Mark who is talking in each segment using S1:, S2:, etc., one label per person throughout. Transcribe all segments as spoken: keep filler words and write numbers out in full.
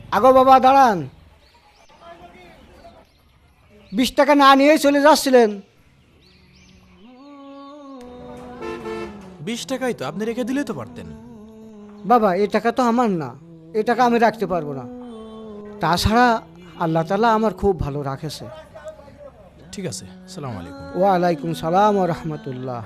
S1: আগো বাবা দাঁড়ান, বিশ টাকা না নিয়েই চলে যাচ্ছিলেন।
S2: বিশ টাকাই তো, আপনি রেখে দিলেই তো পারতেন।
S1: বাবা এই টাকা তো আমার না, এই টাকা আমি রাখতে পারবো না। তাছাড়া আল্লাহ তাআলা আমার খুব ভালো রাখেছে।
S2: ঠিক আছে, আসসালামু আলাইকুম।
S1: ওয়ালাইকুম সালাম ও রহমতুল্লাহ।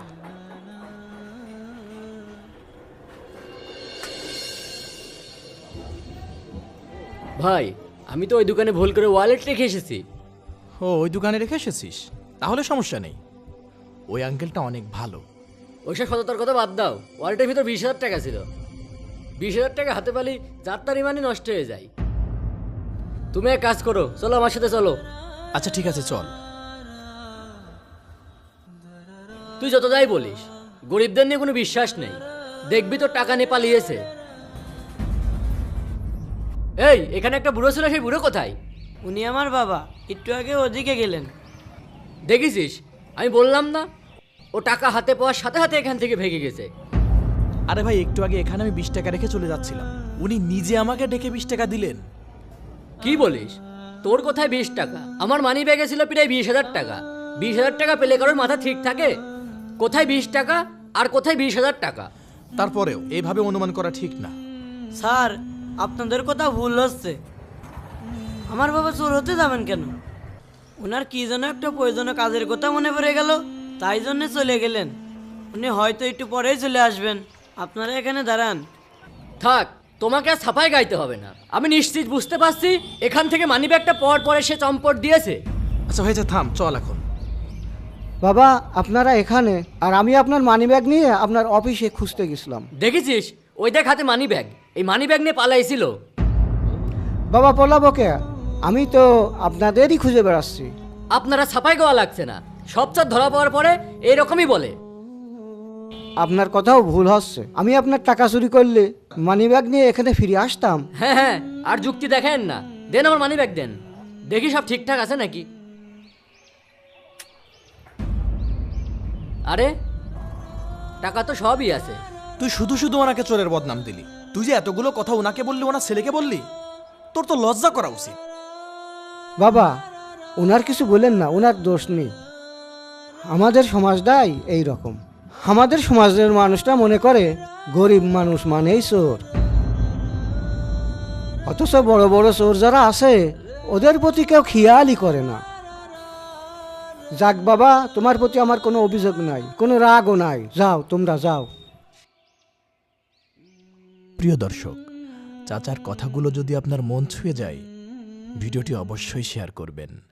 S3: ভাই, আমি তো ওই দোকানে ভুল করে ওয়ালেট রেখে এসেছি।
S2: ও, ওই দোকানে রেখে এসেছিস? তাহলে সমস্যা নেই, ওই আঙ্কেলটা অনেক ভালো।
S3: ওইসব সততার কথা বাদ দাও, ওয়ালেটের ভিতর বিশ হাজার টাকা ছিল। বিশ হাজার টাকা হাতে পালি যাত্রার ইমানই নষ্ট হয়ে যায়। তুমি এক কাজ করো, চলো আমার সাথে চলো।
S2: আচ্ছা ঠিক আছে, চল।
S3: তুই যত যাই বলিস, গরিবদের নিয়ে কোনো বিশ্বাস নেই। দেখবি তো টাকা নিয়ে পালিয়েছে। এই, এখানে একটা বুড়ো ছিল, সেই বুড়ো কোথায়?
S4: উনি আমার বাবা, একটু আগে ওদিকে গেলেন।
S3: দেখেছিস, আমি বললাম না, ও টাকা হাতে পাওয়ার সাথে সাথে এখান থেকে ভেগে গেছে।
S2: আরে ভাই, একটু আগে এখানে আমি বিশ টাকা রেখে চলে যাচ্ছিলাম, উনি নিজে আমাকে ডেকে বিশ টাকা দিলেন।
S3: কি বলিস? তোর কোথায় বিশ টাকা? আমার মানি ব্যাগে ছিল প্রায় বিশ হাজার টাকা। বিশ হাজার টাকা পেলে কারোর মাথা ঠিক থাকে? কোথায় বিশ টাকা আর কোথায় বিশ হাজার টাকা?
S2: তারপরেও এইভাবে অনুমান করা ঠিক না।
S4: স্যার, আপনাদের কথা ভুল হচ্ছে। আমার বাবা চোর হতে যাবেন কেন? ওনার কি যেন একটা প্রয়োজনীয় কাজের কথা মনে পড়ে গেল, তাই জন্য চলে গেলেন। উনি হয়তো একটু পরেই চলে আসবেন। আপনারা এখানে দাঁড়ান।
S3: থাক, তোমাকে আর ছাপাই গাইতে হবে না। আমি নিশ্চিত বুঝতে পারছি এখান থেকে মানি ব্যাগটা পাওয়ার পরে সে চম্পট দিয়েছে।
S2: আচ্ছা হয়েছে, থাম, চল এখন।
S1: বাবা আপনারা এখানে, আর আমি আপনার মানিব্যাগ নিয়ে আপনার অফিসে খুঁজতে গেছিলাম।
S3: দেখেছিস, ওই দেখ হাতে মানি ব্যাগ। এই মানি ব্যাগ নিয়ে পালাইছিল।
S1: বাবা পলাবো কে? আমি তো আপনাদেরই খুঁজে বেড়াচ্ছি।
S3: আপনারা ছাপাই গাওয়া লাগছে না, সব চার ধরা পাওয়ার পরে এইরকমই বলে।
S1: আপনার কথাও ভুল হচ্ছে। আমি আপনার টাকা চুরি করলে মানিব্যাগ নিয়ে এখানে ফিরে আসতাম?
S3: হ্যাঁ হ্যাঁ, আর যুক্তি দেখেন না। দেন আমার মানি ব্যাগ দেন, দেখি সব ঠিকঠাক আছে নাকি। আরে, টাকা তো সবই আছে।
S2: তুই শুধু শুধু ওনাকে চোরের বদনাম দিলি। তুই যে এতগুলো কথা ওনাকে বললি, ওনার ছেলেকে বললি, তোর তো লজ্জা করা উচিত।
S1: বাবা ওনার কিছু বলেন না, ওনার দোষ নেই। আমাদের সমাজটাই এই রকম। আমাদের সমাজের মানুষটা মনে করে গরিব মানুষ মানেই চোর, অথচ বড় বড় চোর যারা আছে ওদের প্রতি কেউ খেয়ালই করে না। যাক বাবা, তোমার প্রতি আমার কোনো অভিযোগ নাই, কোনো রাগও নাই। যাও, তোমরা যাও।
S2: প্রিয় দর্শক, চাচার কথাগুলো যদি আপনার মন ছুঁয়ে যায়, ভিডিওটি অবশ্যই শেয়ার করবেন।